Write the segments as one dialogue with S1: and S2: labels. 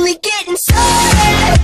S1: only getting started.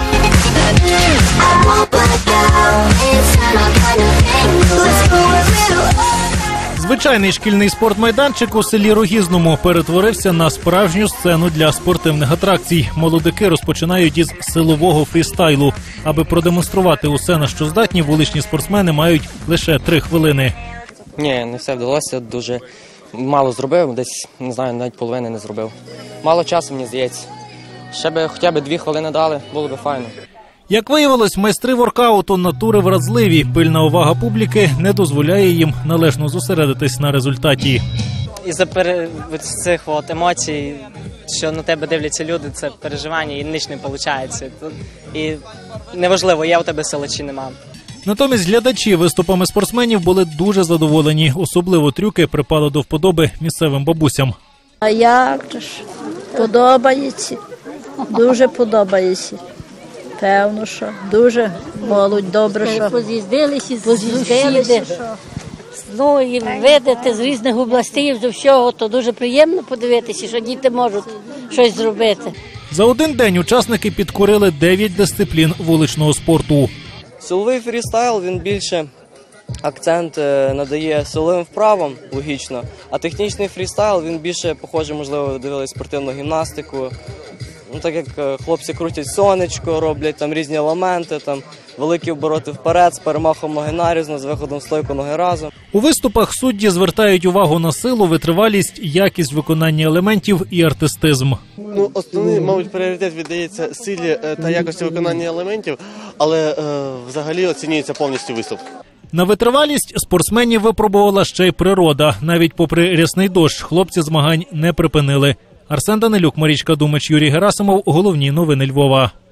S1: I won't back out. It's not our kind of thing. Let's go a little harder.
S2: Звичайний шкільний спортмайданчик у селі Рогізному перетворився на справжню сцену для спортивних атракцій. Молодики розпочинають із силового фрістайлу. Аби продемонструвати усе, на що здатні, вуличні спортсмени мають лише 3 хвилини.
S3: Ні, не все вдалося, дуже мало зробив, десь, не знаю, навіть половини не зробив. Мало часу, мені здається. Ще б хоча б 2 хвилини дали, було б файно.
S2: Як виявилось, майстри воркауту натури вразливі. Пильна увага публіки не дозволяє їм належно зосередитись на результаті.
S4: Із-за цих емоцій, що на тебе дивляться люди, це переживання і ніч не виходить. І неважливо, є у тебе сила чи нема.
S2: Натомість глядачі виступами спортсменів були дуже задоволені. Особливо трюки припали до вподоби місцевим бабусям.
S5: А як ж? Подобається. Дуже подобається. Певно, що дуже молодь, добре, що
S6: поз'їздилися з сусіди. Ну і видати з різних областей, з всього, то дуже приємно подивитися, що діти можуть щось зробити.
S2: За один день учасники підкорили 9 дисциплін вуличного спорту.
S3: Силовий фрістайл, він більше акцент надає силовим вправам, логічно, а технічний фрістайл, він більше, похоже, можливо, дивились спортивну гімнастику. Ну, так як хлопці крутять сонечко, роблять там різні елементи, там великі обороти вперед з перемахом ноги нарізно, з виходом в стойку ноги разом.
S2: У виступах судді звертають увагу на силу, витривалість, якість виконання елементів і артистизм.
S7: Ну, основний, мабуть, пріоритет віддається силі та якості виконання елементів, але взагалі оцінюється повністю виступ.
S2: На витривалість спортсменів випробувала ще й природа. Навіть попри рясний дощ, хлопці змагань не припинили. Арсен Данилюк, Марічка Думач, Юрій Герасимов. Головні новини Львова.